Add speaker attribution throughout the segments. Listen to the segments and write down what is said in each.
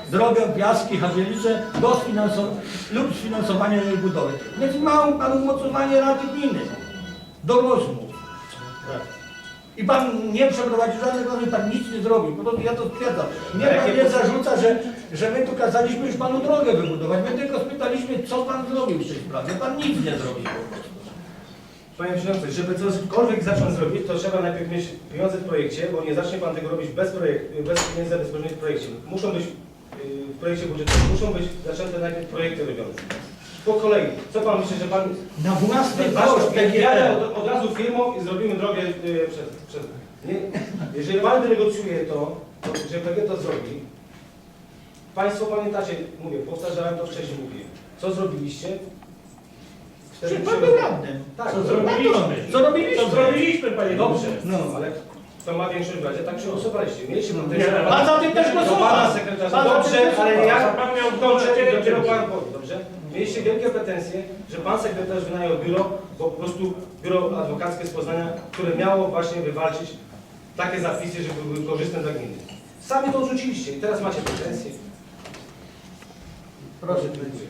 Speaker 1: drogę, piaski, Hadzielice lub sfinansowanie jej budowy. Więc ma pan umocowanie Rady Gminy do rozmów. I pan nie przeprowadził żadnych rozmów, pan nic nie zrobił. Po prostu ja to stwierdzam. Nie pan nie zarzuca, że my tu kazaliśmy już panu drogę wybudować. My tylko spytaliśmy, co pan zrobił w tej sprawie. Pan nic nie zrobił po prostu.
Speaker 2: Panie Przewodniczący, żeby cokolwiek zacząć zrobić, to trzeba najpierw mieć pieniądze w projekcie, bo nie zacznie Pan tego robić bez pieniędzy bezpośrednich w projekcie. Muszą być w projekcie budżetowym, muszą być zaczęte najpierw projekty robione. Po kolei, co Pan myśli, że Pan...
Speaker 1: Na własny koszt
Speaker 2: Jadę od razu firmą i zrobimy drogę przez... Nie, jeżeli Pan wynegocjuje to, że PG to zrobi, Państwo pamiętacie, mówię, powtarzałem to wcześniej, mówię, co zrobiliście?
Speaker 1: Czy pan był radnym?
Speaker 2: Tak,
Speaker 1: Co zrobiliśmy? Co robiliśmy?
Speaker 3: To zrobiliśmy, panie
Speaker 2: Dobrze,
Speaker 1: No.
Speaker 2: ale to ma większość w Radzie, tak przegłosowaliście. Mieliście
Speaker 3: Nie,
Speaker 2: potencjał.
Speaker 1: Pan za tym też
Speaker 2: do
Speaker 1: głosował.
Speaker 2: pana sekretarza.
Speaker 1: Pan za tym
Speaker 2: Dobrze,
Speaker 1: też
Speaker 2: ale
Speaker 1: głosował.
Speaker 2: ja
Speaker 3: Pan miał
Speaker 2: kończę i
Speaker 3: dopiero
Speaker 2: dopiero
Speaker 3: pan
Speaker 2: pan powie, dobrze? Mieliście wielkie pretensje, że pan sekretarz wynajął biuro, bo po prostu biuro adwokackie z Poznania, które miało właśnie wywalczyć takie zapisy, żeby były korzystne dla gminy. Sami to odrzuciliście i teraz macie pretensje.
Speaker 1: Proszę.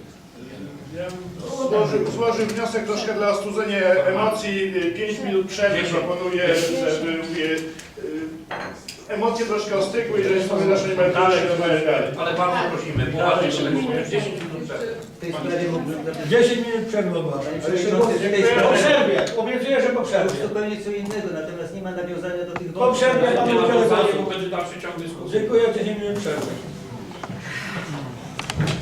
Speaker 4: Złożył wniosek troszkę dla ostudzenia emocji. 5 minut przerwy proponuję, żeby mówię, emocje troszkę ostygły, jeżeli sobie nasze merytorycznie rozmawiać dalej.
Speaker 3: Ale bardzo prosimy, poważnie się 10 minut przerwy.
Speaker 5: W tej sprawie mógłbym
Speaker 1: 10 minut przerwy ogłaszam. Po
Speaker 4: Dziękuję.
Speaker 1: przerwie. Obiecuję, że po
Speaker 5: To
Speaker 1: przerwie.
Speaker 5: jest zupełnie co innego, natomiast nie ma nawiązania do tych
Speaker 1: Po przerwie
Speaker 3: Nie
Speaker 1: panu
Speaker 3: ma
Speaker 1: udzielę
Speaker 3: rozwiązania,
Speaker 1: głosu.
Speaker 3: bo będzie dalszy ciąg dyskusji.
Speaker 1: Dziękuję, 10 minut przerwy.